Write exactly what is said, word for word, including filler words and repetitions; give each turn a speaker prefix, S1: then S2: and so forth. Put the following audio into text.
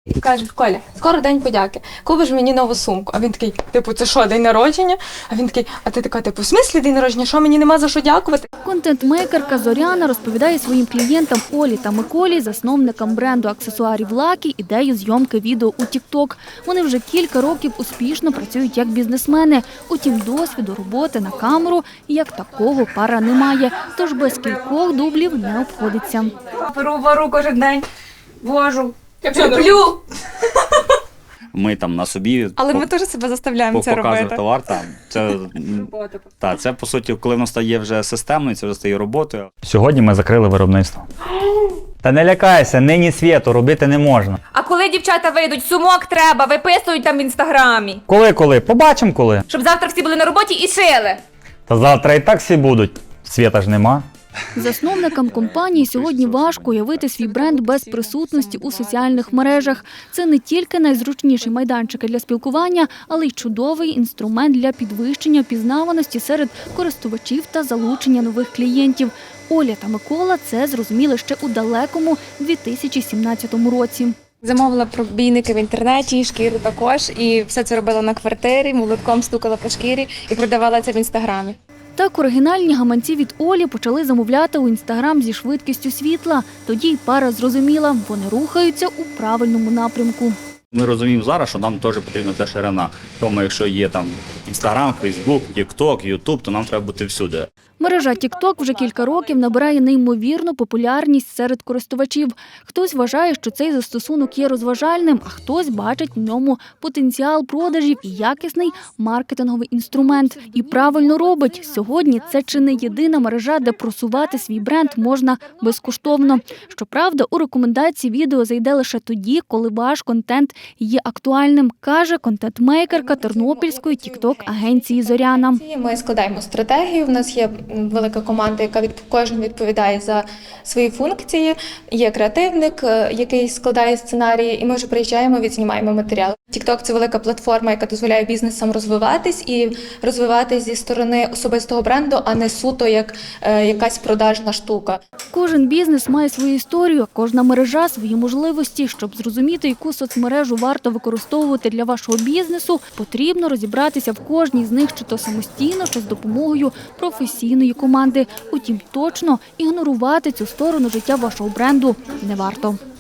S1: І каже: Коля, скоро день подяки, купиш мені нову сумку. А він такий, типу, це що, день народження? А він такий, а ти така, типу, в смислі день народження, що мені нема за що дякувати?
S2: Контент-мейкерка Зоряна розповідає своїм клієнтам Олі та Миколі, засновникам бренду аксесуарів Lucky, ідею зйомки відео у тік-ток. Вони вже кілька років успішно працюють як бізнесмени. Утім, досвіду роботи на камеру як такого пара не має, тож без кількох дублів не обходиться.
S1: Беру вару кожен день, вожу, люблю.
S3: Ми там на собі
S1: Але ми теж себе заставляємо це робити.
S3: показуємо товар. Там. Це, та, це, по суті, коли воно стає вже системною, це вже стає роботою. Сьогодні ми закрили виробництво. Та не лякайся, нині світу робити не можна.
S4: А коли дівчата вийдуть, сумок треба, виписують там в інстаграмі.
S3: Коли-коли? Побачимо коли.
S4: Щоб завтра всі були на роботі і шили.
S3: Та завтра і так всі будуть. Світа ж нема.
S2: Засновникам компанії сьогодні важко уявити свій бренд без присутності у соціальних мережах. Це не тільки найзручніші майданчики для спілкування, але й чудовий інструмент для підвищення впізнаваності серед користувачів та залучення нових клієнтів. Оля та Микола це зрозуміли ще у далекому дві тисячі сімнадцятому році.
S1: Замовила пробійники в інтернеті, шкіру також, і все це робила на квартирі, молотком стукала по шкірі і продавала це в інстаграмі.
S2: Так оригінальні гаманці від Олі почали замовляти у інстаграм зі швидкістю світла. Тоді й пара зрозуміла, вони рухаються у правильному напрямку.
S3: Ми розуміємо зараз, що нам теж потрібна ця ширина. Тому якщо є там Інстаграм, Фейсбук, Тік-Ток, Ютуб, то нам треба бути всюди.
S2: Мережа тік-ток вже кілька років набирає неймовірну популярність серед користувачів. Хтось вважає, що цей застосунок є розважальним, а хтось бачить в ньому потенціал продажів і якісний маркетинговий інструмент. І правильно робить. Сьогодні це чи не єдина мережа, де просувати свій бренд можна безкоштовно. Щоправда, у рекомендації відео зайде лише тоді, коли ваш контент є актуальним, каже контент-мейкерка тернопільської тік-ток-агенції «Зоряна».
S1: Ми складаємо стратегію, в нас є велика команда, яка від кожен відповідає за свої функції. Є креативник, який складає сценарії, і ми вже приїжджаємо, відзнімаємо матеріал. TikTok – це велика платформа, яка дозволяє бізнесам розвиватись і розвиватись зі сторони особистого бренду, а не суто як е, якась продажна штука.
S2: Кожен бізнес має свою історію, а кожна мережа – свої можливості. Щоб зрозуміти, яку соцмережу варто використовувати для вашого бізнесу, потрібно розібратися в кожній з них, чи то самостійно, чи з допомогою професійної команди. Утім, точно ігнорувати цю сторону життя вашого бренду не варто.